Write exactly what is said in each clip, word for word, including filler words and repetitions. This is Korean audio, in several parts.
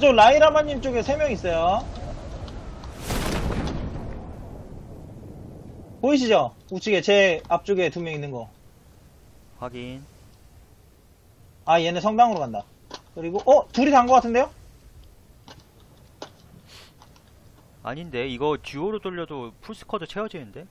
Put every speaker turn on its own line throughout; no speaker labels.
저쪽 라이라마님 쪽에 세 명 있어요. 보이시죠? 우측에 제 앞쪽에 두 명 있는 거.
확인.
아 얘네 성당으로 간다. 그리고 어? 둘이 단 거 같은데요?
아닌데 이거 듀오로 돌려도 풀스쿼드 채워지는데?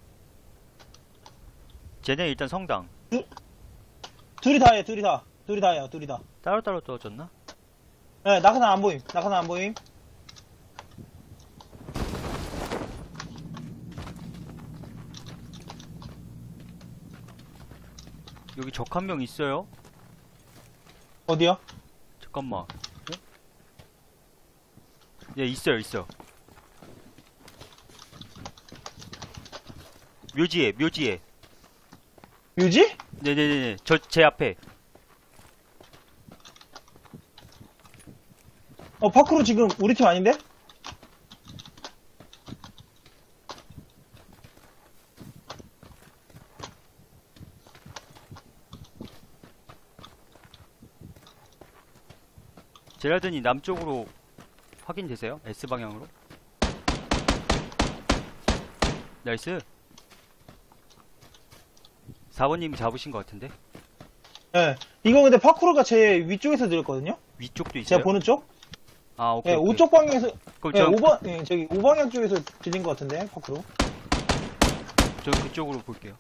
쟤네 일단 성당.
두, 둘이 다해 둘이 다 둘이 다해요 둘이 다.
따로따로 떨어졌나?
네 낙하산 안 보임 낙하산 안 보임.
여기 적 한 명 있어요?
어디요?
잠깐만. 어? 예, 있어요, 있어. 묘지에, 묘지에.
뮤지?
네네네, 저, 제 앞에.
어 파크로 지금 우리 팀 아닌데?
제라든이 남쪽으로 확인되세요? S방향으로. 나이스. 사 번님이 잡으신 것 같은데?
네. 이거 근데 파크로가 제 위쪽에서 들었거든요?
위쪽도 있어요?
제가 보는 쪽?
아, 오케이.
네,
오케이.
오쪽 방향에서,
그럼
네,
저,
오방, 네, 저기, 오방향 쪽에서 들린 것 같은데, 파크로.
저 그쪽으로 볼게요.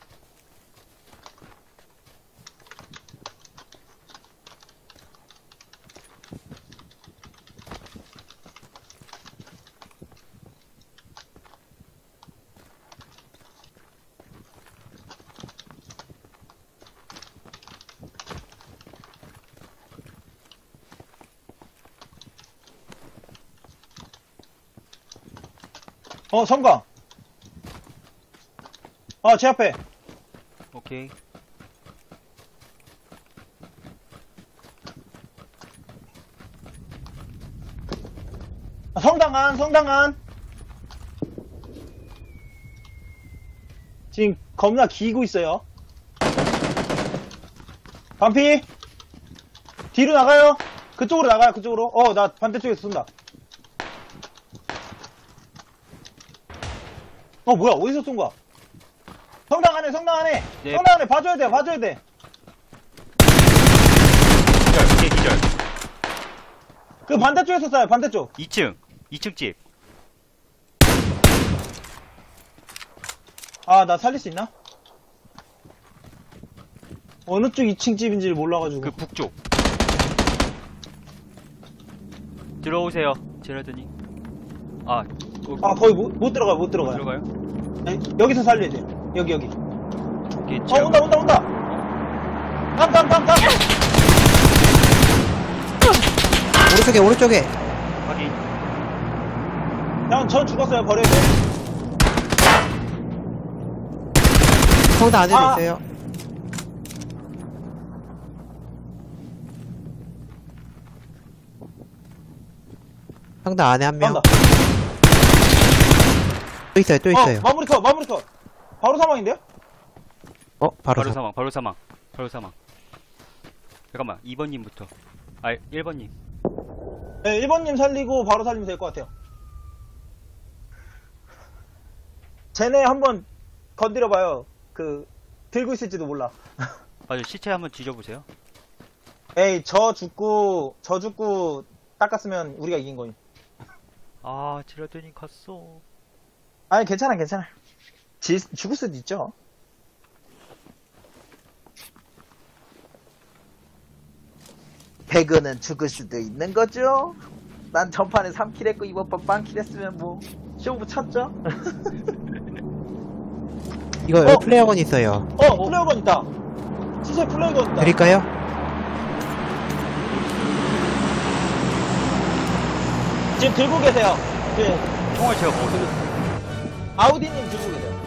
어, 성광. 아, 제 앞에.
오케이.
아, 성당 안, 성당 안. 지금 겁나 기고 있어요. 반피. 뒤로 나가요. 그쪽으로 나가요, 그쪽으로. 어, 나 반대쪽에서 쏜다. 어, 뭐야, 어디서 쏜 거야? 성당 안에, 성당 안에.
네.
성당 안에 봐줘야 돼, 봐줘야 돼.
기절, 오케이, 기절.
그 반대쪽에서 쏴요, 반대쪽.
이 층, 이 층 집.
아, 나 살릴 수 있나? 어느 쪽 이 층 집인지를 몰라가지고.
그 북쪽. 들어오세요, 제라드니. 아, 어,
아, 거의 못, 못 들어가요, 못 들어가요.
들어가요?
네, 여기서 살려야 돼요. 여기, 여기.
오케이,
어,
제가-
온다, 온다, 온다! 땀, 땀, 땀, 땀!
오른쪽에 오른쪽에
확인.
형, 전 죽었어요, 버려야 돼.
성당 안에도
아.
있어요. 성당 안에 한 명.
간다.
또 있어요, 또 있어요.
어, 마무리 컷, 마무리 컷. 바로 사망인데요?
어, 바로,
바로
사-
사망, 바로 사망, 바로 사망. 잠깐만, 이 번님부터. 아, 일 번님.
네, 일 번님 살리고 바로 살리면 될 것 같아요. 쟤네 한번 건드려봐요. 그, 들고 있을지도 몰라.
아, 저 시체 한번 뒤져보세요.
에이, 저 죽고, 저 죽고 닦았으면 우리가 이긴 거임.
아, 제라드니 갔어.
아니, 괜찮아, 괜찮아. 지, 죽을 수도 있죠. 배그는 죽을 수도 있는 거죠. 난 전판에 삼 킬 했고 이번 판 빵킬 했으면 뭐 쇼부 쳤죠.
이거
어?
플레이어건 있어요.
어, 플레이어건 있다. 시세 플레이어건 있다.
드릴까요?
지금 들고 계세요. 네,
총알 제가 먹었어요.
아우디님 들고 계세요.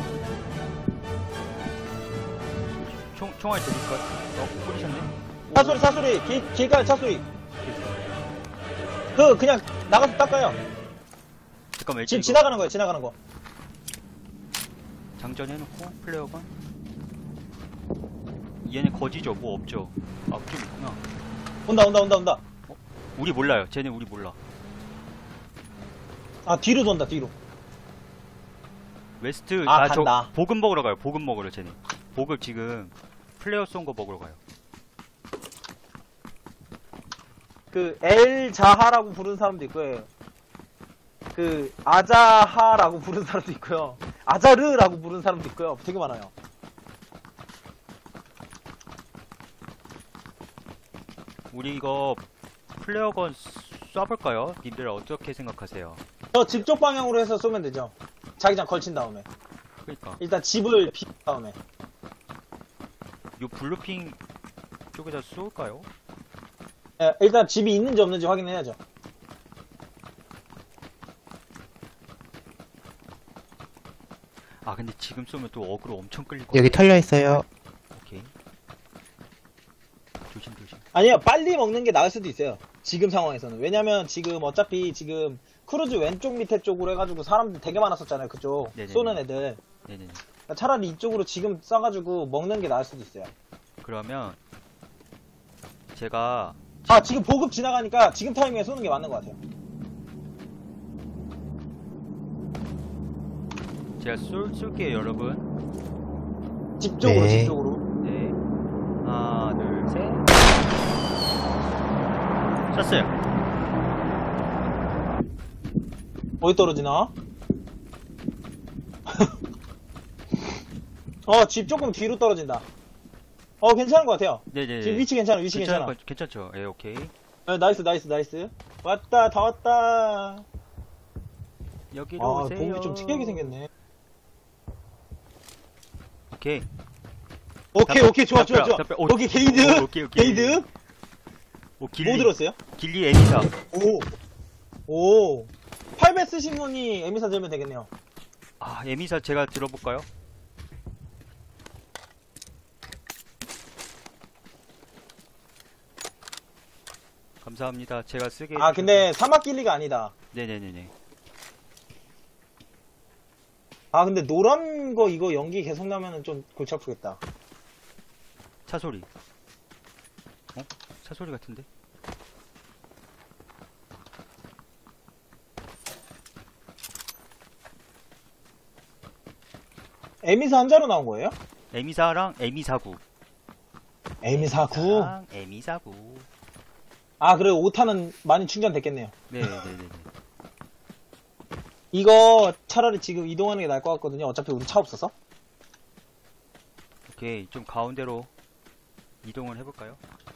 총, 총알 드릴까? 어, 뿌리셨네?
차소리, 차소리, 길, 길가에 차소리. 그, 그냥 나가서 닦아요.
잠깐만, 일단
지금
이거
지나가는 거예요, 지나가는 거.
장전해놓고, 플레이어건. 얘네 거지죠? 뭐 없죠? 아, 좀 있구나.
온다, 온다, 온다, 온다.
우리 몰라요. 쟤네 우리 몰라.
아, 뒤로 돈다, 뒤로.
웨스트
아,
아 저
간다.
보급 먹으러 가요. 보급 먹으러 쟤네. 보급 지금 플레이어 쏜 거 먹으러 가요.
그, 엘자하라고 부르는 사람도 있고요. 그, 아자하라고 부르는 사람도 있고요. 아자르라고 부르는 사람도 있고요. 되게 많아요.
우리 이거 플레어건 쏴볼까요? 님들 어떻게 생각하세요?
저 집 쪽 방향으로 해서 쏘면 되죠. 자기장 걸친 다음에.
그러니까
일단 집을 비 다음에.
요 블루핑 쪽에다 쏠까요?
예, 일단 집이 있는지 없는지 확인해야죠.
아 근데 지금 쏘면 또 어그로 엄청 끌릴 거
여기 털려 있어요.
오케이. 조심 조심.
아니요, 빨리 먹는 게 나을 수도 있어요. 지금 상황에서는. 왜냐면 지금 어차피 지금 크루즈 왼쪽 밑에 쪽으로 해가지고 사람들 되게 많았었잖아요. 그쪽.
네네네.
쏘는 애들.
네네네.
그러니까 차라리 이쪽으로 지금 쏴가지고 먹는 게 나을 수도 있어요.
그러면 제가
아, 지금 보급 지나가니까 지금 타이밍에 쏘는 게 맞는 것 같아요.
제가 쏠 쏠게요 여러분.
집 쪽으로,
네.
집 쪽으로.
네. 하나 둘 셋. 쐈어요.
어디 떨어지나? 어, 집 조금 뒤로 떨어진다. 어, 괜찮은 것 같아요.
네네.
지금 위치 괜찮아, 위치
괜찮은
괜찮아.
거- 괜찮죠? 예 오케이.
네, 나이스, 나이스, 나이스. 왔다, 다 왔다.
여기로
아,
오세요.
보급이 좀 특이하게 생겼네.
오케이.
오케이,
답변,
오케이, 좋아, 좋아,
답변,
좋아.
답변. 오,
오케이, 게이드.
오, 오케이, 오케이.
게이드.
오 길리.
뭐 들었어요?
길리 에미사.
오. 오. 팔 배 쓰신 분이 에미사 들면 되겠네요.
아 에미사 제가 들어볼까요? 감사합니다. 제가 쓰게.
아,
해주셔서.
근데 사막 길리가 아니다.
네네네네.
아, 근데 노란 거 이거 연기 계속 나면은 좀 골치 아프겠다.
차 소리. 어? 차 소리 같은데?
에미사 한자로 나온 거예요?
에미사랑 에미사구.
에미사 구.
랑 에미사구.
아, 그래, 오 탄은 많이 충전됐겠네요.
네네네네.
이거 차라리 지금 이동하는 게 나을 것 같거든요. 어차피 우리 차 없어서.
오케이 좀 가운데로 이동을 해볼까요?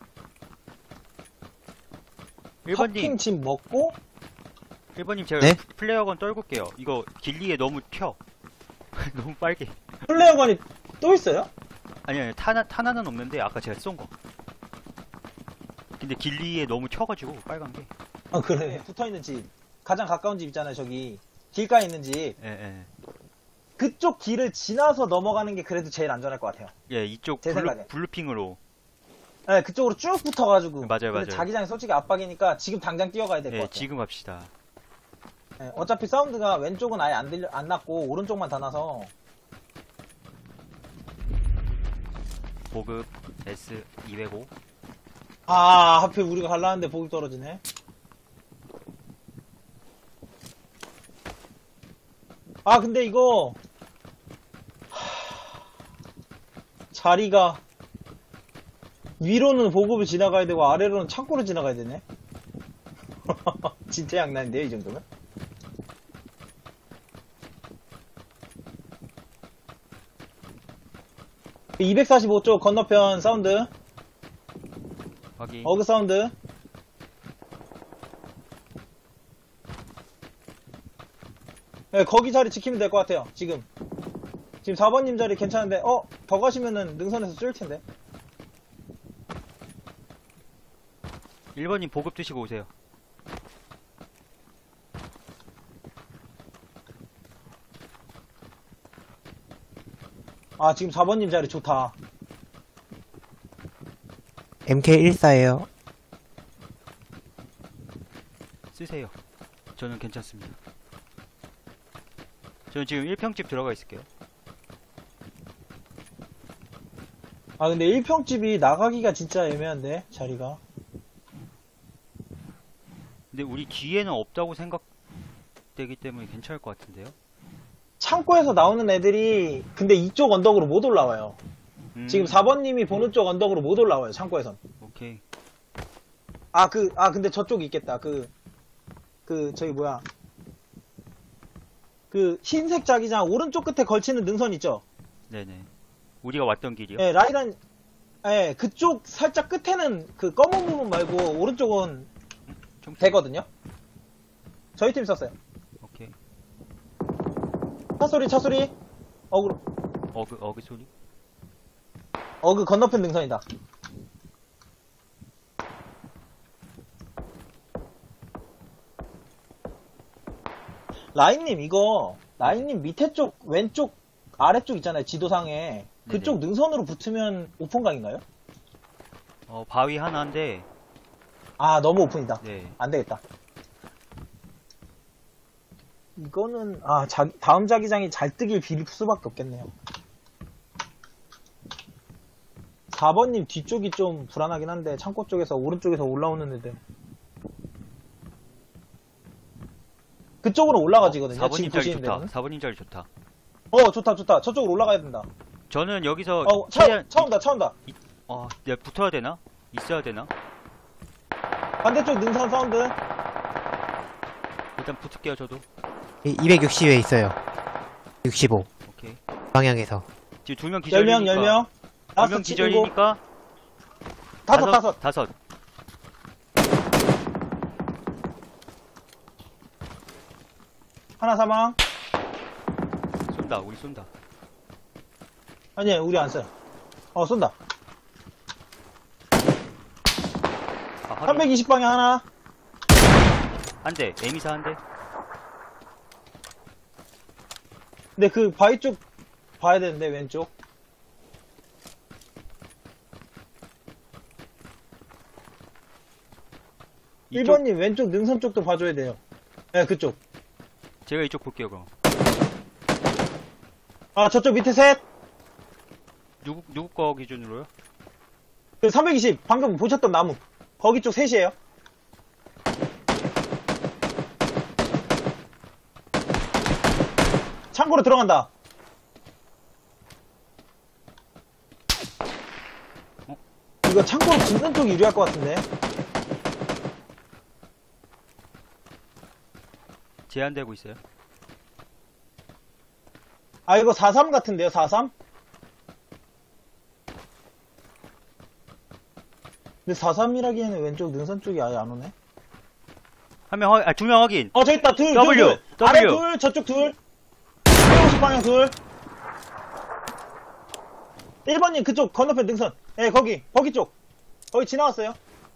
일 번님
파킹 집 먹고,
일 번님 제가
네?
플레어건 떨굴게요. 이거 길리에 너무 튀어. 너무 빨개.
플레어건이 또 있어요?
아니 아니 탄, 탄 하나는 없는데 아까 제가 쏜 거. 근데 길리에 너무 튀어가지고 빨간 게.
아, 그래. 붙어있는 집. 가장 가까운 집 있잖아요, 저기. 길가에 있는 집.
예 예.
그쪽 길을 지나서 넘어가는 게 그래도 제일 안전할 것 같아요.
예 이쪽
제
블루,
생각에.
블루핑으로.
네, 그쪽으로 쭉 붙어가지고.
맞아요,
근데
맞아요.
자기장이 솔직히 압박이니까 지금 당장 뛰어가야 될 것
예
같아요.
지금 갑시다.
네, 어차피 사운드가 왼쪽은 아예 안 들려, 안 났고, 오른쪽만 다 나서.
보급 에스 이백오.
아, 하필 우리가 갈라는데 보급 떨어지네. 아, 근데 이거. 하... 자리가. 위로는 보급을 지나가야 되고, 아래로는 창고를 지나가야 되네. 진짜 양난인데요, 이 정도면? 이백사십오 쪽 건너편 사운드.
확인.
어그 사운드. 네, 거기 자리 지키면 될 것 같아요, 지금. 지금 사 번님 자리 괜찮은데, 어? 더 가시면은 능선에서 쏠 텐데.
일 번님 보급 드시고 오세요.
아, 지금 사 번님 자리 좋다.
엠케이 일사예요.
쓰세요. 저는 괜찮습니다. 저는 지금 일 평집 들어가 있을게요.
아, 근데 일 평집이 나가기가 진짜 애매한데, 자리가.
근데 우리 뒤에는 없다고 생각 되기 때문에 괜찮을 것 같은데요.
창고에서 나오는 애들이 근데 이쪽 언덕으로 못 올라와요.
음,
지금 사 번님이 보는 쪽 언덕으로 못 올라와요. 창고에선.
오케이.
아, 그, 아, 근데 저쪽이 있겠다. 그, 그, 저기 뭐야. 그, 흰색 자기장 오른쪽 끝에 걸치는 능선 있죠?
네네. 우리가 왔던 길이요?
예, 라이란, 예, 그쪽 살짝 끝에는 그 검은 부분 말고 오른쪽은
좀
되거든요? 저희 팀 썼어요.
오케이.
차 소리, 차 소리. 어그,
어그, 어그 소리?
어그 건너편 능선이다. 라인님, 이거, 라인님 밑에 쪽, 왼쪽, 아래쪽 있잖아요. 지도상에. 그쪽
네네.
능선으로 붙으면 오픈각인가요?
어, 바위 하나인데,
아, 너무 오픈이다.
네.
안 되겠다. 이거는, 아, 자, 다음 자기장이 잘 뜨길 빌 수밖에 없겠네요. 사 번님 뒤쪽이 좀 불안하긴 한데, 창고 쪽에서, 오른쪽에서 올라오는 애들. 그쪽으로 올라가지거든요.
사 번님
지금
자리
보시는
좋다.
데는.
사 번님 자리 좋다.
어, 좋다, 좋다. 저쪽으로 올라가야 된다.
저는 여기서,
어, 차,
최대한,
차 온다, 차 온다.
어, 내가 붙어야 되나? 있어야 되나?
반대쪽 능선 사운드.
일단 붙을게요, 저도.
이백육십에 있어요. 육십오.
오케이.
방향에서.
지금 두 명
열 명,
기절이니까.
열 명.
두
다섯,
명
칠, 일곱.
기절이니까.
다섯, 다섯.
다섯.
하나 사망.
쏜다, 우리 쏜다.
아니, 우리 안 써요. 어, 쏜다.
아, 하긴.
삼백이십 방향 하나.
한 대, 에미사 한 대.
근데 그 바위 쪽 봐야 되는데, 왼쪽.
이쪽,
일 번님 왼쪽 능선 쪽도 봐줘야 돼요. 네, 그쪽.
제가 이쪽 볼게요, 그럼.
아, 저쪽 밑에 셋.
누구, 누구 거 기준으로요?
그 삼백이십. 방금 보셨던 나무. 거기 쪽 셋이에요. 창고로 들어간다.
어?
이거 창고로 붙는 쪽이 유리할 것 같은데.
제한되고 있어요.
아, 이거 사삼 같은데요, 사삼? 근데 사삼이라기에는 왼쪽 능선 쪽이 아예 안 오네.
한 명, 확- 아, 두 명 확인.
어, 저기 있다, 둘,
W,
둘, 둘.
W.
아래 둘, 저쪽 둘. 백오십 방향 둘. 일 번님, 그쪽 건너편 능선. 예, 거기, 거기 쪽. 거기 지나왔어요.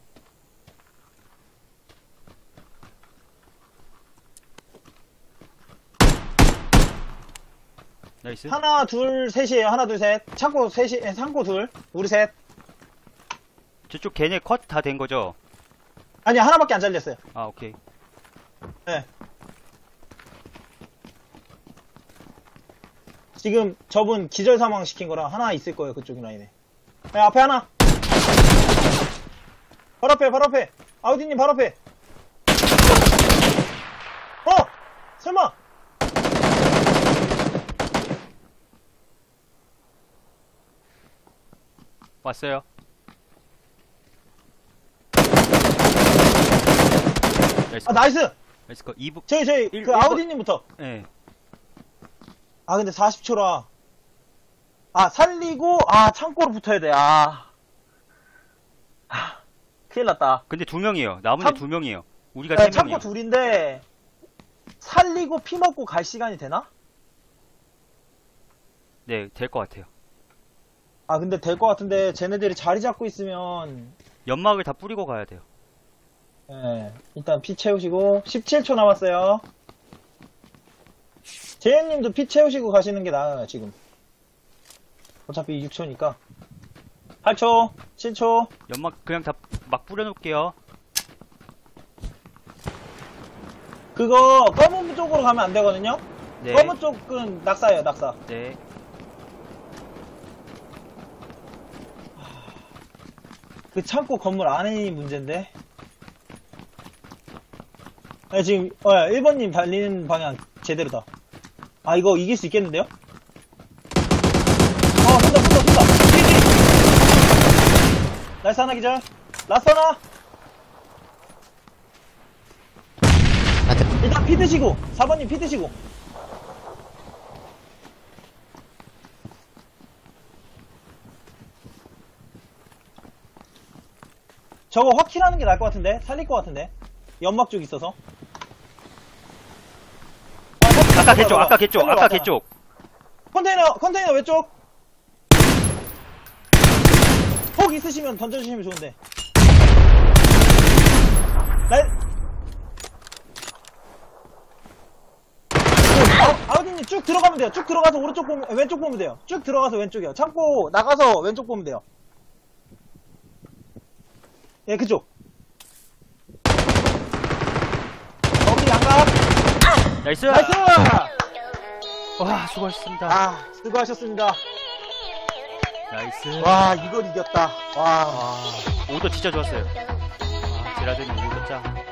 나이스.
하나, 둘, 셋이에요. 하나, 둘, 셋. 창고 셋이, 예, 창고 둘. 우리 셋.
저쪽 걔네 컷 다 된 거죠?
아니, 하나밖에 안 잘렸어요.
아, 오케이.
예. 지금 저분 기절 사망 시킨 거랑 하나 있을 거예요. 그쪽 라인에. 예, 앞에 하나. 바로 앞에, 바로 앞에. 아우디님 바로 앞에. 어! 설마!
왔어요. 나이스.
아, 나이스!
나이스 컷. 이 부,
저희, 저희,
일-
그
일 번-
아우디님부터.
예.
아, 근데 사십 초라. 아, 살리고, 아, 창고로 붙어야 돼. 아. 아, 큰일 났다.
근데 두 명이에요. 남은
참-
애 두 명이에요. 우리가
네,
세
창고
명이에요.
둘인데, 살리고 피 먹고 갈 시간이 되나?
네, 될 것 같아요.
아, 근데 될 것 같은데, 쟤네들이 자리 잡고 있으면,
연막을 다 뿌리고 가야 돼요.
예, 일단 피 채우시고, 십칠 초 남았어요. 제이님도 피 채우시고 가시는 게 나아요, 지금. 어차피 육 초니까. 팔 초, 칠 초.
연막 그냥 다 막 뿌려놓을게요.
그거, 검은 쪽으로 가면 안 되거든요?
네.
검은 쪽은 낙사예요, 낙사.
네.
그 창고 건물 안에 문제인데. 아, 지금, 어, 일 번님 달리는 방향 제대로다. 아, 이거 이길 수 있겠는데요? 어, 쏜다, 쏜다, 쏜다. 뒤에, 뒤에. 나이스 하나 기절. 라스 하나.
아, 네.
일단 피 드시고. 사 번님 피 드시고. 저거 확킬하는 게 나을 것 같은데? 살릴 것 같은데? 연막 쪽 있어서. 아, 확킬
아까
맞아,
개쪽,
맞아.
아까 개쪽,
살리러
아까
왔잖아.
개쪽.
컨테이너, 컨테이너 왼쪽. 폭 있으시면 던져주시면 좋은데. 나, 아, 아우디님 쭉 들어가면 돼요. 쭉 들어가서 오른쪽 보면, 왼쪽 보면 돼요. 쭉 들어가서 왼쪽이요. 창고 나가서 왼쪽 보면 돼요. 예, 그쪽. 거기 양각.
나이스!
나이스!
와, 수고하셨습니다.
아, 수고하셨습니다.
나이스.
와, 이걸 이겼다. 와.
오더 진짜 좋았어요. 아, 제라드님 오더 짱.